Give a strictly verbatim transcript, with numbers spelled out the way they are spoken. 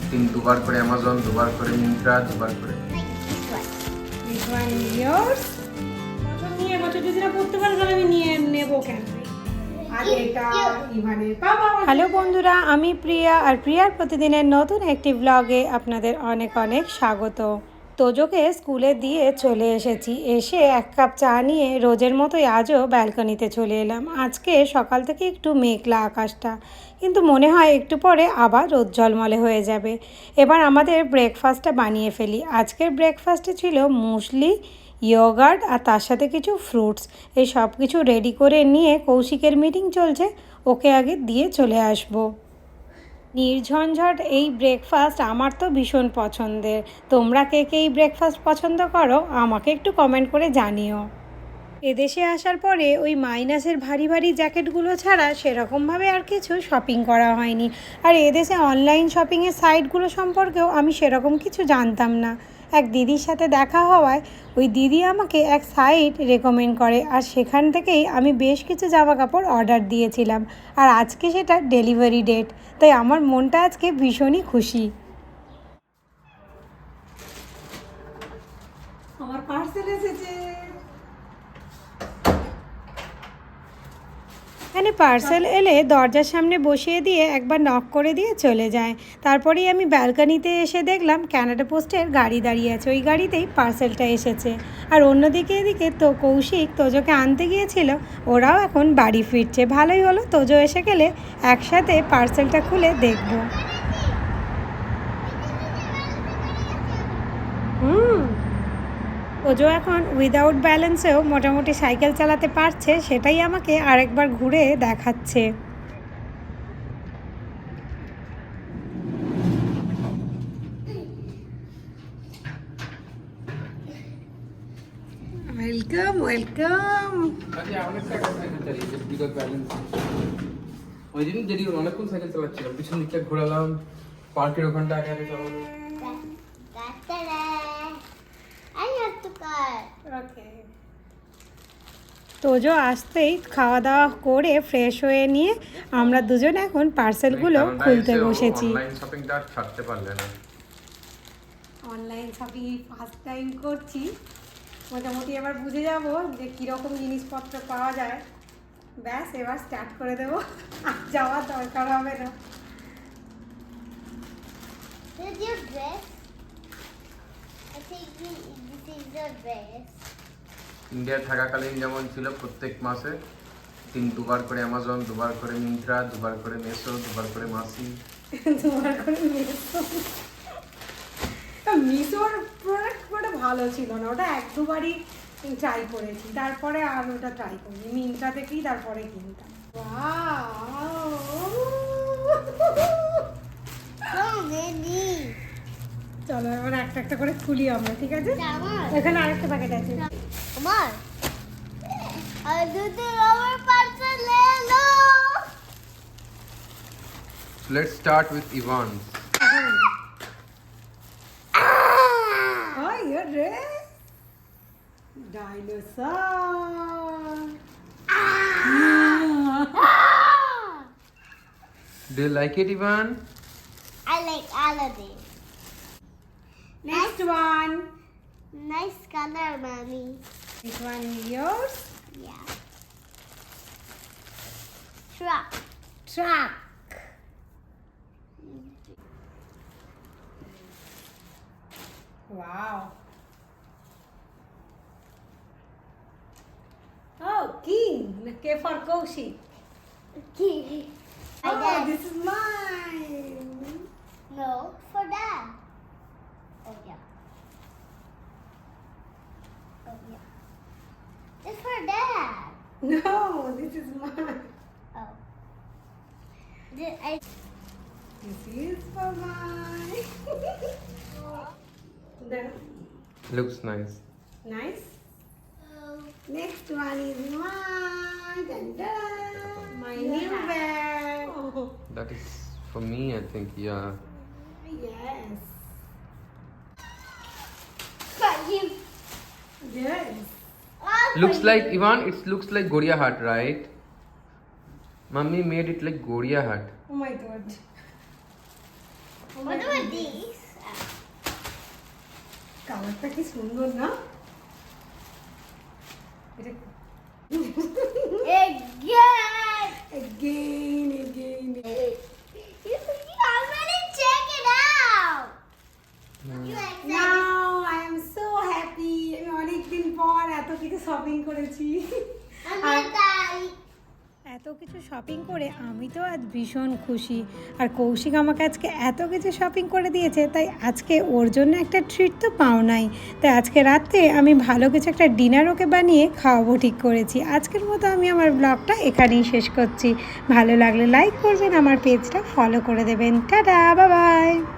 তিন দুবার করে অ্যামাজন, দুবার করে মিন্ত্রা, দুবার করে This one is yours. বছর নিয়ে বছর যদি না পড়তে পারে তাহলে আমি নিয়ে নেব কেন? আর এটা ইভানের বাবা। হ্যালো বন্ধুরা, আমি প্রিয়া আর প্রিয়ার প্রতিদিনের নতুন একটি ব্লগে আপনাদের অনেক অনেক স্বাগত। তোজোকে স্কুলে দিয়ে চলে এসেছি, এসে এক কাপ চা নিয়ে রোজের মতোই আজও ব্যালকনিতে চলে এলাম। আজকে সকাল থেকে একটু মেঘলা আকাশটা, কিন্তু মনে হয় একটু পরে আবার রোদ ঝলমলে হয়ে যাবে। এবার আমাদের ব্রেকফাস্টটা বানিয়ে ফেলি। আজকের ব্রেকফাস্টে ছিল মুসলি, ইয়োগার্ট আর তার সাথে কিছু ফ্রুটস। এই সব কিছু রেডি করে নিয়ে কৌশিকের মিটিং চলছে, ওকে আগে দিয়ে চলে আসবো। নির্ঝঞ্ঝট এই ব্রেকফাস্ট আমার তো ভীষণ পছন্দের। তোমরা কে কে এই ব্রেকফাস্ট পছন্দ করো আমাকে একটু কমেন্ট করে জানিও। এদেশে আসার পরে ওই মাইনাসের ভারী ভারী জ্যাকেটগুলো ছাড়া সেরকমভাবে আর কিছু শপিং করা হয়নি। আর এদেশে অনলাইন শপিংয়ের সাইটগুলো সম্পর্কেও আমি সেরকম কিছু জানতাম না। এক দিদির সাথে দেখা হওয়ায় ওই দিদি আমাকে এক সাইট রেকমেন্ড করে, আর সেখান থেকেই আমি বেশ কিছু জামা কাপড় অর্ডার দিয়েছিলাম। আর আজকে সেটা ডেলিভারি ডেট, তাই আমার মনটা আজকে ভীষণই খুশি। আমার পার্সেল এসেছে। এখানে পার্সেল এলে দরজার সামনে বসিয়ে দিয়ে একবার নক করে দিয়ে চলে যায়। তারপরেই আমি ব্যালকনিতে এসে দেখলাম ক্যানাডা পোস্টের গাড়ি দাঁড়িয়ে আছে, ওই গাড়িতেই পার্সেলটা এসেছে। আর অন্যদিকে এদিকে তো কৌশিক তোজোকে আনতে গিয়েছিল, ওরাও এখন বাড়ি ফিরছে। ভালোই হলো, তোজো এসে গেলে একসাথে পার্সেলটা খুলে দেখব। হুম ওজো এখন উইদাউট ব্যালেন্সেও মোটামুটি সাইকেল চালাতে পারছে, সেটাই আমাকে আরেকবার ঘুরে দেখাচ্ছে। Welcome welcome. ওই দিন যদি অনেকক্ষণ সাইকেল চালাচ্ছিলাম, পিছন দিকটা ঘোরালাম, পার্কের ওখানটা আগে আগে চলো। তোজো আসতেই খাওয়া দাওয়া করে ফ্রেশ হয়ে নিয়ে আমরা দুজন এখন পার্সেলগুলো খুলতে বসেছি। অনলাইন শপিংটা আর ছাড়তে পারলে না। অনলাইন শপিং ফার্স্ট টাইম করছি, মোটামুটি এবার বুঝে যাব যে কীরকম জিনিসপত্র পাওয়া যায়। ব্যাস এবার স্টার্ট করে দেবো, আর যাওয়ার দরকার হবে না। This is your dress. I think this is your dress. India থাকাকালীন যেমন ছিল প্রত্যেক মাসে তিন দুবার করে অ্যামাজন, দুবার করে মিন্ত্রা, দুবার করে মেসো, দুবার করে মাসি, দুবার করে মিশো। মিশোর প্রোডাক্ট ওটা ভালো ছিল না, ওটা এক দুবারই ট্রাই করেছি, তারপরে আর ওটা ট্রাই করিনি। মিন্ত্রা থেকেই তারপরে কিনতাম। So many. চলো এবার একটা একটা করে খুলি আমরা, ঠিক আছে? আমার এখানে আরেকটা প্যাকেট আছে। আমার আর দুটো আমার পার্সেল এলো। Let's start with Ivan. Oh, your dress. Dinosaur. Do you like it, Ivan? I like all of them. Next one. Nice color, mommy. This one is yours. Yeah. Truck. Truck. Wow. Oh, king. K for Kaushik. Key. My Oh, dad. this is mine. No, for dad. Oh yeah. Oh yeah. It's for dad. No, this is mine. Oh. Did I? This is for mine. Then, Looks nice. nice. Oh. Next one is mine. Dun, dun. My Yeah. new bag. Oh, That is for me, I think. Yeah. yes. For you. Yes. All for Looks you. like Ivan. It looks like Goria hat, right? Mummy made it like Goria hat. Oh my god. What about this? কালারটা কি সুন্দর না? এটা Again! again again You, you already check it out! You excited? now I am so happy আমি অনেকদিন পর এত কিছু শপিং করেছি I'm going এত কিছু শপিং করে আমি তো আজ ভীষণ খুশি আর কৌশিক আমাকে আজকে এত কিছু শপিং করে দিয়েছে তাই আজকে ওর জন্য একটা ট্রিট তো পাও নাই তাই আজকে রাতে আমি ভালো কিছু একটা ডিনার ওকে বানিয়ে খাওয়াবো ঠিক করেছি আজকের মতো আমি আমার ব্লগটা এখানেই শেষ করছি ভালো লাগলে লাইক করবেন আমার পেজটা ফলো করে দেবেন টাটা বাই বাই